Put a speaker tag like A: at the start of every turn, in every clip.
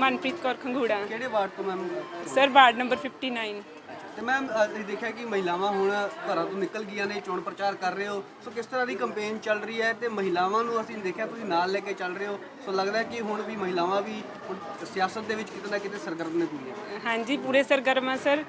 A: ਮਨਪ੍ਰੀਤ ਕੌਰ ਖੰਗੂੜਾ।
B: ਕਿਹੜੇ ਵਾਰਡ ਤੋਂ ma'am?
A: Sir ward number 59।
B: ਤੇ ਮੈਮ ਅਸੀਂ ਦੇਖਿਆ ਕਿ ਮਹਿਲਾਵਾਂ ਹੁਣ ਘਰਾਂ ਤੋਂ ਨਿਕਲ ਗਈਆਂ ਨੇ, ਚੋਣ ਪ੍ਰਚਾਰ ਕਰ ਰਹੇ ਹੋ, ਸੋ ਕਿਸ ਤਰ੍ਹਾਂ ਦੀ ਕੰਪੇਨ ਚੱਲ ਰਹੀ ਹੈ ਤੇ ਮਹਿਲਾਵਾਂ ਨੂੰ ਅਸੀਂ ਦੇਖਿਆ ਤੁਸੀਂ ਨਾਲ ਲੈ ਕੇ ਚੱਲ ਰਹੇ ਹੋ, ਸੋ ਲੱਗਦਾ ਹੈ ਕਿ ਹੁਣ ਵੀ ਮਹਿਲਾਵਾਂ ਵੀ ਹੁਣ ਸਿਆਸਤ ਦੇ ਵਿੱਚ ਕਿਤੇ ਨਾ ਕਿਤੇ ਸਰਗਰਮ ਨੇ ਪੂਰੀਆਂ।
A: ਹਾਂਜੀ ਪੂਰੇ ਸਰਗਰਮ ਆ ਸਰ।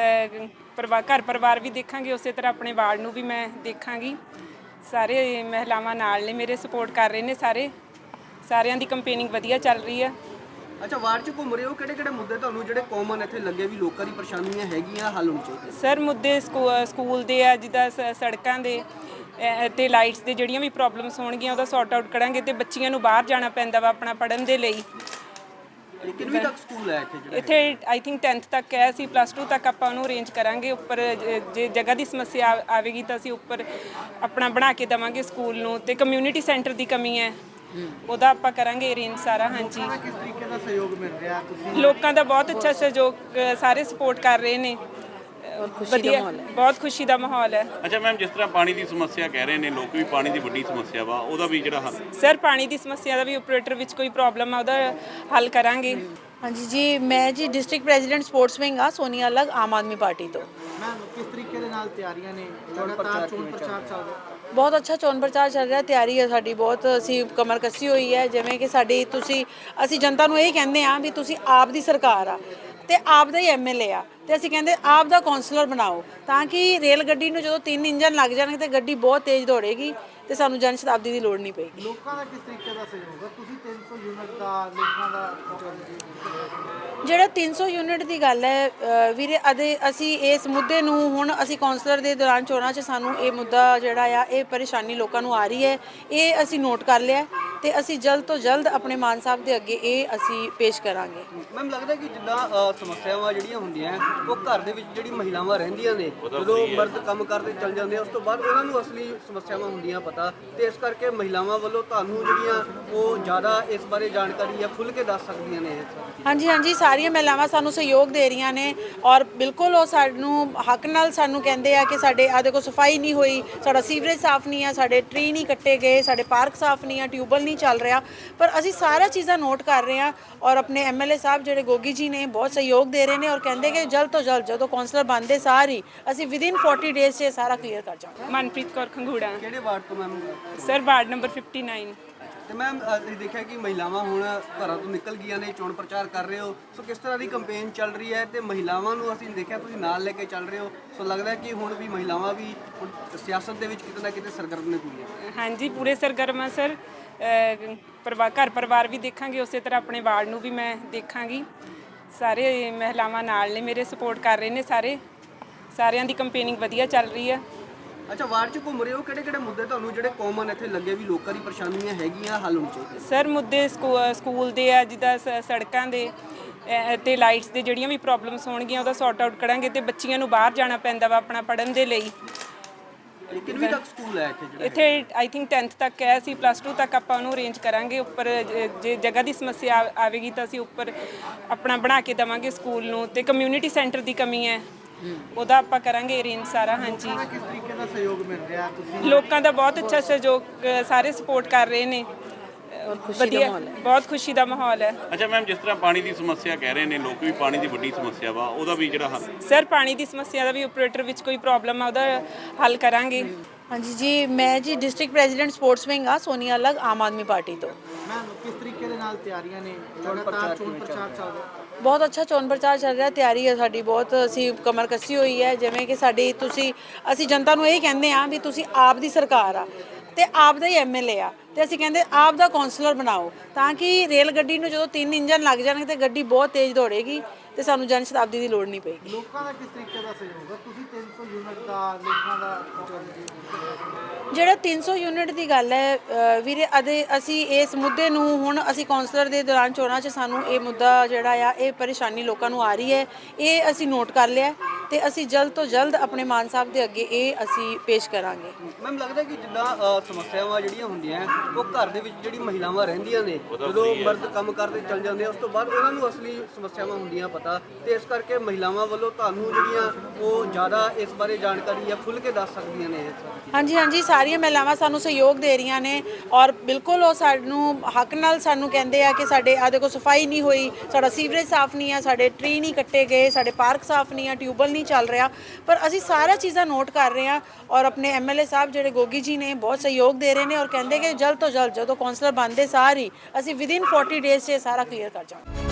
A: ਘਰ ਪਰਿਵਾਰ ਵੀ ਦੇਖਾਂਗੇ, ਉਸੇ ਤਰ੍ਹਾਂ ਆਪਣੇ ਵਾਰਡ ਨੂੰ ਵੀ ਮੈਂ ਦੇਖਾਂਗੀ। ਸਾਰੇ ਮਹਿਲਾਵਾਂ ਨਾਲ ਨੇ, ਮੇਰੇ ਸਪੋਰਟ ਕਰ ਰਹੇ ਨੇ ਸਾਰਿਆਂ ਦੀ ਕੰਪੇਨਿੰਗ ਵਧੀਆ ਚੱਲ ਰਹੀ ਆ।
B: ਅੱਛਾ, ਵਾਰਡ 'ਚ ਘੁੰਮ ਰਹੇ ਹੋ, ਕਿਹੜੇ ਮੁੱਦੇ ਤੁਹਾਨੂੰ ਜਿਹੜੇ ਕਾਮਨ ਇੱਥੇ ਲੱਗੇ ਵੀ ਲੋਕਾਂ ਦੀ ਪਰੇਸ਼ਾਨੀਆਂ ਹੈਗੀਆਂ ਹੱਲ ਹੋਣੇ ਚਾਹੀਦੇ?
A: ਸਰ ਮੁੱਦੇ ਸਕੂਲ ਦੇ ਆ, ਜਿੱਦਾਂ ਸੜਕਾਂ ਦੇ ਤੇ ਲਾਈਟਸ ਦੇ ਜਿਹੜੀਆਂ ਵੀ ਪ੍ਰੋਬਲਮਸ ਹੋਣਗੀਆਂ ਉਹਦਾ ਸੌਰਟ ਆਊਟ ਕਰਾਂਗੇ। ਤੇ ਬੱਚੀਆਂ ਨੂੰ ਬਾਹਰ ਜਾਣਾ ਪੈਂਦਾ ਵਾ ਆਪਣਾ ਪੜ੍ਹਨ ਦੇ ਲਈ।
B: ਕਿੰਨਵੀਂ ਤੱਕ ਸਕੂਲ ਹੈ ਇੱਥੇ?
A: ਇੱਥੇ ਆਈ ਥਿੰਕ 10th ਤੱਕ ਹੈ, ਅਸੀਂ +2 ਤੱਕ ਆਪਾਂ ਉਹਨੂੰ ਅਰੇਂਜ ਕਰਾਂਗੇ। ਉੱਪਰ ਜੇ ਜਗ੍ਹਾ ਦੀ ਸਮੱਸਿਆ ਆਵੇਗੀ ਤਾਂ ਅਸੀਂ ਉੱਪਰ ਆਪਣਾ ਬਣਾ ਕੇ ਦੇਵਾਂਗੇ ਸਕੂਲ ਨੂੰ। ਤੇ ਕਮਿਊਨਿਟੀ ਸੈਂਟਰ ਦੀ ਕਮੀ ਹੈ, ਉਹਦਾ ਆਪਾਂ ਕਰਾਂਗੇ ਅਰੇਂਜ ਸਾਰਾ। ਹਾਂਜੀ,
B: ਕਿਸ ਤਰੀਕੇ ਦਾ ਸਹਿਯੋਗ ਮਿਲ ਰਿਹਾ? ਤੁਸੀਂ
A: ਲੋਕਾਂ ਦਾ ਬਹੁਤ ਅੱਛਾ ਸਹਿਯੋਗ, ਸਾਰੇ ਸਪੋਰਟ ਕਰ ਰਹੇ ਨੇ। ਵਧੀਆ, ਬਹੁਤ ਖੁਸ਼ੀ ਦਾ ਮਾਹੌਲ ਹੈ।
C: ਅੱਛਾ ਮੈਮ, ਜਿਸ ਤਰ੍ਹਾਂ ਪਾਣੀ ਦੀ ਸਮੱਸਿਆ ਕਹਿ ਰਹੇ ਨੇ ਲੋਕ ਵੀ, ਪਾਣੀ ਦੀ ਵੱਡੀ ਸਮੱਸਿਆ ਵਾ, ਉਹਦਾ ਵੀ ਜਿਹੜਾ ਹੱਲ?
A: ਸਰ ਪਾਣੀ ਦੀ ਸਮੱਸਿਆ ਦਾ ਵੀ ਆਪਰੇਟਰ ਵਿੱਚ ਕੋਈ ਪ੍ਰੋਬਲਮ ਆ, ਉਹਦਾ ਹੱਲ ਕਰਾਂਗੇ।
D: ਹਾਂਜੀ ਜੀ, ਮੈਂ ਜੀ ਡਿਸਟ੍ਰਿਕਟ ਪ੍ਰੈਜ਼ੀਡੈਂਟ ਸਪੋਰਟਸ ਵਿੰਗ ਆ, ਸੋਨੀਆ ਅਲੱਗ, ਆਮ ਆਦਮੀ ਪਾਰਟੀ ਤੋਂ।
B: ਮੈਮ ਕਿਸ ਤਰੀਕੇ ਦੇ ਨਾਲ ਤਿਆਰੀਆਂ ਨੇ? ਲਗਾਤਾਰ ਚੋਣ ਪ੍ਰਚਾਰ ਚੱਲ ਰਿਹਾ।
D: ਬਹੁਤ ਅੱਛਾ ਚੋਣ ਪ੍ਰਚਾਰ ਚੱਲ ਰਿਹਾ, ਤਿਆਰੀ ਹੈ ਸਾਡੀ ਬਹੁਤ। ਅਸੀਂ ਕਮਰ ਕੱਸੀ ਹੋਈ ਹੈ, ਜਿਵੇਂ ਕਿ ਅਸੀਂ ਜਨਤਾ ਨੂੰ ਇਹ ਕਹਿੰਦੇ ਆ ਵੀ ਤੁਸੀਂ ਆਪ ਦੀ ਸਰਕਾਰ ਆ ਤੇ ਆਪ ਦਾ ਹੀ ਐਮਐਲਏ ਆ, ਤੇ ਅਸੀਂ ਕਹਿੰਦੇ ਆਪ ਦਾ ਕਾਉਂਸਲਰ ਬਣਾਓ, ਤਾਂ ਕਿ ਰੇਲ ਗੱਡੀ ਨੂੰ ਜਦੋਂ 3 ਇੰਜਨ ਲੱਗ ਜਾਣਗੇ ਤੇ ਗੱਡੀ ਬਹੁਤ ਤੇਜ਼ ਦੌੜੇਗੀ ਤੇ ਸਾਨੂੰ ਜਨ ਸ਼ਤਾਬਦੀ ਦੀ ਲੋੜ ਨਹੀਂ ਪਏਗੀ।
B: ਲੋਕਾਂ ਦਾ ਕਿਸ ਤਰੀਕੇ ਦਾ ਸਹਿਯੋਗ ਹੈ? ਤੁਸੀਂ 300 ਯੂਨਿਟ ਦਾ ਲੋਕਾਂ ਦਾ
D: ਜਿਹੜਾ 300 ਯੂਨਿਟ ਦੀ ਗੱਲ ਹੈ ਵੀਰੇ, ਅਸੀਂ ਇਸ ਮੁੱਦੇ ਨੂੰ ਹੁਣ ਅਸੀਂ ਕਾਉਂਸਲਰ ਦੇ ਦੌਰਾਨ ਚੋਣਾਂ 'ਚ ਸਾਨੂੰ ਇਹ ਮੁੱਦਾ ਜਿਹੜਾ ਆ, ਇਹ ਪਰੇਸ਼ਾਨੀ ਲੋਕਾਂ ਨੂੰ ਆ ਰਹੀ ਹੈ, ਇਹ ਅਸੀਂ ਨੋਟ ਕਰ ਲਿਆ ਤੇ ਅਸੀਂ ਜਲਦ ਤੋਂ ਜਲਦ ਆਪਣੇ ਮਾਨ ਸਾਹਿਬ ਦੇ ਅੱਗੇ ਇਹ ਅਸੀਂ ਪੇਸ਼ ਕਰਾਂਗੇ।
B: ਮੈਮ ਲੱਗਦਾ ਕਿ ਜਿੱਦਾਂ ਸਮੱਸਿਆਵਾਂ ਜਿਹੜੀਆਂ ਹੁੰਦੀਆਂ ਉਹ ਘਰ ਦੇ ਵਿੱਚ ਜਿਹੜੀ ਮਹਿਲਾਵਾਂ ਰਹਿੰਦੀਆਂ ਨੇ, ਜਦੋਂ ਮਰਦ ਕੰਮ ਕਰਦੇ ਚੱਲ ਜਾਂਦੇ ਆ, ਉਸ ਤੋਂ ਬਾਅਦ ਉਹਨਾਂ ਨੂੰ ਅਸਲੀ ਸਮੱਸਿਆਵਾਂ ਹੁੰਦੀਆਂ ਪਤਾ, ਤੇ ਇਸ ਕਰਕੇ ਮਹਿਲਾਵਾਂ ਵੱਲੋਂ ਤੁਹਾਨੂੰ ਜਿਹੜੀਆਂ ਉਹ ਜ਼ਿਆਦਾ ਇਸ ਬਾਰੇ ਜਾਣਕਾਰੀ ਆ ਖੁੱਲ੍ਹ ਕੇ ਦੱਸ ਸਕਦੀਆਂ ਨੇ।
D: ਹਾਂਜੀ, ਸਾਰੀਆਂ ਮਹਿਲਾਵਾਂ ਸਾਨੂੰ ਸਹਿਯੋਗ ਦੇ ਰਹੀਆਂ ਨੇ ਔਰ ਬਿਲਕੁਲ ਉਹ ਸਾਨੂੰ ਹੱਕ ਨਾਲ ਸਾਨੂੰ ਕਹਿੰਦੇ ਆ ਕਿ ਸਾਡੇ ਆ ਦੇਖੋ ਸਫਾਈ ਨਹੀਂ ਹੋਈ, ਸਾਡਾ ਸੀਵਰੇਜ ਸਾਫ਼ ਨਹੀਂ ਆ, ਸਾਡੇ ਟਰੀ ਨਹੀਂ ਕੱਟੇ ਗਏ, ਸਾਡੇ ਪਾਰਕ ਸਾਫ਼ ਨਹੀਂ ਆ, ਟਿਊਬਵੈੱਲ ਨਹੀਂ ਚੱਲ ਰਿਹਾ, ਪਰ ਅਸੀਂ ਸਾਰਾ ਚੀਜ਼ਾਂ ਨੋਟ ਕਰ ਰਹੇ ਹਾਂ। ਔਰ ਆਪਣੇ ਐਮਐਲਏ ਸਾਹਿਬ ਜਿਹੜੇ ਗੋਗੀ ਜੀ ਨੇ ਬਹੁਤ ਸਹਿਯੋਗ ਦੇ ਰਹੇ ਨੇ ਔਰ ਕਹਿੰਦੇ ਕਿ ਜਲਦ ਤੋਂ ਜਲਦ ਜਦੋਂ ਕਾਉਂਸਲਰ ਬਣਦੇ ਸਾਰ ਹੀ ਅਸੀਂ ਵਿਦਿਨ 40 ਡੇਜ਼ 'ਚ ਸਾਰਾ ਕਲੀਅਰ ਕਰ ਜਾਵਾਂਗੇ।
A: ਮਨਪ੍ਰੀਤ ਕੌਰ ਖੰਗੂੜਾ।
B: ਕਿਹੜੇ ਵਾਰਡ ਤੋਂ ਮੈਮ?
A: Sir ward number 59।
B: ਤੇ ਮੈਮ ਅਸੀਂ ਦੇਖਿਆ ਕਿ ਮਹਿਲਾਵਾਂ ਹੁਣ ਘਰਾਂ ਤੋਂ ਨਿਕਲ ਗਈਆਂ ਨੇ, ਚੋਣ ਪ੍ਰਚਾਰ ਕਰ ਰਹੇ ਹੋ, ਸੋ ਕਿਸ ਤਰ੍ਹਾਂ ਦੀ ਕੰਪੇਨ ਚੱਲ ਰਹੀ ਹੈ ਤੇ ਮਹਿਲਾਵਾਂ ਨੂੰ ਅਸੀਂ ਦੇਖਿਆ ਤੁਸੀਂ ਨਾਲ ਲੈ ਕੇ ਚੱਲ ਰਹੇ ਹੋ, ਸੋ ਲੱਗਦਾ ਹੈ ਕਿ ਹੁਣ ਵੀ ਮਹਿਲਾਵਾਂ ਵੀ ਹੁਣ ਸਿਆਸਤ ਦੇ ਵਿੱਚ ਕਿਤੇ ਨਾ ਕਿਤੇ ਸਰਗਰਮ ਨੇ ਪੂਰੀਆਂ।
A: ਹਾਂਜੀ ਪੂਰੇ ਸਰਗਰਮ ਆ ਸਰ। ਘਰ ਪਰਿਵਾਰ ਵੀ ਦੇਖਾਂਗੇ, ਉਸੇ ਤਰ੍ਹਾਂ ਆਪਣੇ ਵਾਰਡ ਨੂੰ ਵੀ ਮੈਂ ਦੇਖਾਂਗੀ। ਸਾਰੇ ਮਹਿਲਾਵਾਂ ਨਾਲ ਨੇ, ਮੇਰੇ ਸਪੋਰਟ ਕਰ ਰਹੇ ਨੇ ਸਾਰਿਆਂ ਦੀ ਕੰਪੇਨਿੰਗ ਵਧੀਆ ਚੱਲ ਰਹੀ ਆ।
B: ਅੱਛਾ, ਵਾਰਡ 'ਚ ਘੁੰਮ ਰਹੇ ਹੋ, ਕਿਹੜੇ ਮੁੱਦੇ ਤੁਹਾਨੂੰ ਜਿਹੜੇ ਕਾਮਨ ਇੱਥੇ ਲੱਗੇ ਵੀ ਲੋਕਾਂ ਦੀ ਪਰੇਸ਼ਾਨੀਆਂ ਹੈਗੀਆਂ ਹੱਲ ਹੋਣੇ ਚਾਹੀਦੇ?
A: ਸਰ ਮੁੱਦੇ ਸਕੂਲ ਦੇ ਆ, ਜਿੱਦਾਂ ਸੜਕਾਂ ਦੇ ਤੇ ਲਾਈਟਸ ਦੇ ਜਿਹੜੀਆਂ ਵੀ ਪ੍ਰੋਬਲਮਸ ਹੋਣਗੀਆਂ ਉਹਦਾ ਸੌਰਟ ਆਊਟ ਕਰਾਂਗੇ। ਤੇ ਬੱਚੀਆਂ ਨੂੰ ਬਾਹਰ ਜਾਣਾ ਪੈਂਦਾ ਵਾ ਆਪਣਾ ਪੜ੍ਹਨ ਦੇ ਲਈ।
B: ਕਿੰਨਵੀਂ ਤੱਕ ਸਕੂਲ ਹੈ ਇੱਥੇ?
A: ਇੱਥੇ ਆਈ ਥਿੰਕ 10th ਤੱਕ ਹੈ, ਅਸੀਂ +2 ਤੱਕ ਆਪਾਂ ਉਹਨੂੰ ਅਰੇਂਜ ਕਰਾਂਗੇ। ਉੱਪਰ ਜੇ ਜਗ੍ਹਾ ਦੀ ਸਮੱਸਿਆ ਆਵੇਗੀ ਤਾਂ ਅਸੀਂ ਉੱਪਰ ਆਪਣਾ ਬਣਾ ਕੇ ਦੇਵਾਂਗੇ ਸਕੂਲ ਨੂੰ। ਤੇ ਕਮਿਊਨਿਟੀ ਸੈਂਟਰ ਦੀ ਕਮੀ ਹੈ, ਉਹਦਾ ਆਪਾਂ ਕਰਾਂਗੇ ਅਰੇਂਜ ਸਾਰਾ। ਹਾਂਜੀ,
B: ਕਿਸ ਤਰੀਕੇ ਦਾ ਸਹਿਯੋਗ ਮਿਲ ਰਿਹਾ? ਤੁਸੀਂ
A: ਲੋਕਾਂ ਦਾ ਬਹੁਤ ਅੱਛਾ ਸਹਿਯੋਗ, ਸਾਰੇ ਸਪੋਰਟ ਕਰ ਰਹੇ ਨੇ। ਵਧੀਆ, ਬਹੁਤ ਖੁਸ਼ੀ ਦਾ ਮਾਹੌਲ ਹੈ।
C: ਅੱਛਾ ਮੈਮ, ਜਿਸ ਤਰ੍ਹਾਂ ਪਾਣੀ ਦੀ ਸਮੱਸਿਆ ਕਹਿ ਰਹੇ ਨੇ ਲੋਕ ਵੀ, ਪਾਣੀ ਦੀ ਵੱਡੀ ਸਮੱਸਿਆ ਵਾ, ਉਹਦਾ ਵੀ ਜਿਹੜਾ ਹੱਲ?
A: ਸਰ ਪਾਣੀ ਦੀ ਸਮੱਸਿਆ ਦਾ ਵੀ ਆਪਰੇਟਰ ਵਿੱਚ ਕੋਈ ਪ੍ਰੋਬਲਮ ਆ, ਉਹਦਾ ਹੱਲ ਕਰਾਂਗੇ।
D: ਹਾਂਜੀ ਜੀ, ਮੈਂ ਜੀ ਡਿਸਟ੍ਰਿਕਟ ਪ੍ਰੈਜ਼ੀਡੈਂਟ ਸਪੋਰਟਸ ਵਿੰਗ ਆ, ਸੋਨੀਆ ਅਲੱਗ, ਆਮ ਆਦਮੀ ਪਾਰਟੀ ਤੋਂ।
B: ਮੈਮ ਕਿਸ ਤਰੀਕੇ ਦੇ ਨਾਲ ਤਿਆਰੀਆਂ ਨੇ? ਲਗਾਤਾਰ ਚੋਣ ਪ੍ਰਚਾਰ ਚੱਲ ਰਿਹਾ।
D: ਬਹੁਤ ਅੱਛਾ ਚੋਣ ਪ੍ਰਚਾਰ ਚੱਲ ਰਿਹਾ, ਤਿਆਰੀ ਹੈ ਸਾਡੀ ਬਹੁਤ। ਅਸੀਂ ਕਮਰ ਕੱਸੀ ਹੋਈ ਹੈ, ਜਿਵੇਂ ਕਿ ਅਸੀਂ ਜਨਤਾ ਨੂੰ ਇਹ ਕਹਿੰਦੇ ਆ ਵੀ ਤੁਸੀਂ ਆਪ ਦੀ ਸਰਕਾਰ ਆ ਤੇ ਆਪ ਦਾ ਹੀ ਐਮਐਲਏ ਆ, ਤੇ ਅਸੀਂ ਕਹਿੰਦੇ ਆਪ ਦਾ ਕਾਉਂਸਲਰ ਬਣਾਓ, ਤਾਂ ਕਿ ਰੇਲ ਗੱਡੀ ਨੂੰ ਜਦੋਂ 3 ਇੰਜਨ ਲੱਗ ਜਾਣਗੇ ਤੇ ਗੱਡੀ ਬਹੁਤ ਤੇਜ਼ ਦੌੜੇਗੀ ਤੇ ਸਾਨੂੰ ਜਨ ਸ਼ਤਾਬਦੀ ਦੀ ਲੋੜ ਨਹੀਂ ਪਏਗੀ।
B: ਲੋਕਾਂ ਦਾ ਕਿਸ ਤਰੀਕੇ ਦਾ ਸਹਿਯੋਗ ਹੈ? ਤੁਸੀਂ 300 ਯੂਨਿਟ ਦਾ ਲੋਕਾਂ ਦਾ
D: ਜਿਹੜਾ 300 ਯੂਨਿਟ ਦੀ ਗੱਲ ਹੈ ਵੀਰੇ, ਅਸੀਂ ਇਸ ਮੁੱਦੇ ਨੂੰ ਹੁਣ ਅਸੀਂ ਕਾਉਂਸਲਰ ਦੇ ਦੌਰਾਨ ਚੋਣਾਂ 'ਚ ਸਾਨੂੰ ਇਹ ਮੁੱਦਾ ਜਿਹੜਾ ਆ, ਇਹ ਪਰੇਸ਼ਾਨੀ ਲੋਕਾਂ ਨੂੰ ਆ ਰਹੀ ਹੈ, ਇਹ ਅਸੀਂ ਨੋਟ ਕਰ ਲਿਆ ਤੇ ਅਸੀਂ ਜਲਦ ਤੋਂ ਜਲਦ ਆਪਣੇ ਮਾਨ ਸਾਹਿਬ ਦੇ ਅੱਗੇ ਇਹ ਅਸੀਂ ਪੇਸ਼ ਕਰਾਂਗੇ।
B: ਮੈਮ ਲੱਗਦਾ ਕਿ ਜਿੱਦਾਂ ਸਮੱਸਿਆਵਾਂ ਜਿਹੜੀਆਂ ਹੁੰਦੀਆਂ ਉਹ ਘਰ ਦੇ ਵਿੱਚ ਜਿਹੜੀ ਮਹਿਲਾਵਾਂ ਰਹਿੰਦੀਆਂ ਨੇ ਜਦੋਂ ਮਰਦ ਕੰਮ ਕਰਦੇ ਚੱਲ ਜਾਂਦੇ ਆ ਉਸ ਤੋਂ ਬਾਅਦ ਉਹਨਾਂ ਨੂੰ ਅਸਲੀ ਸਮੱਸਿਆਵਾਂ ਹੁੰਦੀਆਂ ਪਤਾ, ਤੇ ਇਸ ਕਰਕੇ ਮਹਿਲਾਵਾਂ ਵੱਲੋਂ ਤੁਹਾਨੂੰ ਜਿਹੜੀਆਂ ਉਹ ਜ਼ਿਆਦਾ ਇਸ ਬਾਰੇ ਜਾਣਕਾਰੀ ਜਾਂ ਖੁੱਲ੍ਹ ਕੇ ਦੱਸ ਸਕਦੀਆਂ ਨੇ।
D: ਹਾਂਜੀ ਹਾਂਜੀ, ਸਾਰੀਆਂ ਮਹਿਲਾਵਾਂ ਸਾਨੂੰ ਸਹਿਯੋਗ ਦੇ ਰਹੀਆਂ ਨੇ ਔਰ ਬਿਲਕੁਲ ਉਹ ਸਾਨੂੰ ਹੱਕ ਨਾਲ ਸਾਨੂੰ ਕਹਿੰਦੇ ਆ ਕਿ ਸਾਡੇ ਆ ਦੇਖੋ ਸਫਾਈ ਨਹੀਂ ਹੋਈ, ਸਾਡਾ ਸੀਵਰੇਜ ਸਾਫ਼ ਨਹੀਂ ਆ, ਸਾਡੇ ਟਰੀ ਨਹੀਂ ਕੱਟੇ ਗਏ, ਸਾਡੇ ਪਾਰਕ ਸਾਫ਼ ਨਹੀਂ ਆ, ਟਿਊਬਲ ਨਹੀਂ ਚੱਲ ਰਿਹਾ, ਪਰ ਅਸੀਂ ਸਾਰਾ ਚੀਜ਼ਾਂ ਨੋਟ ਕਰ ਰਹੇ ਹਾਂ ਔਰ ਆਪਣੇ ਐਮਐਲਏ ਸਾਹਿਬ ਜਿਹੜੇ ਗੋਗੀ ਜੀ ਨੇ ਬਹੁਤ ਸਹਿਯੋਗ ਦੇ ਰਹੇ ਨੇ ਔਰ ਕਹਿੰਦੇ ਕਿ ਜਲਦ ਤੋਂ ਜਲਦ ਜਦੋਂ ਕੌਂਸਲਰ ਬਣਦੇ ਸਾਰ ਹੀ ਅਸੀਂ ਵਿਦਿਨ 40 ਡੇਜ਼ 'ਚ ਇਹ ਸਾਰਾ ਕਲੀਅਰ ਕਰ ਜਾਵਾਂਗੇ।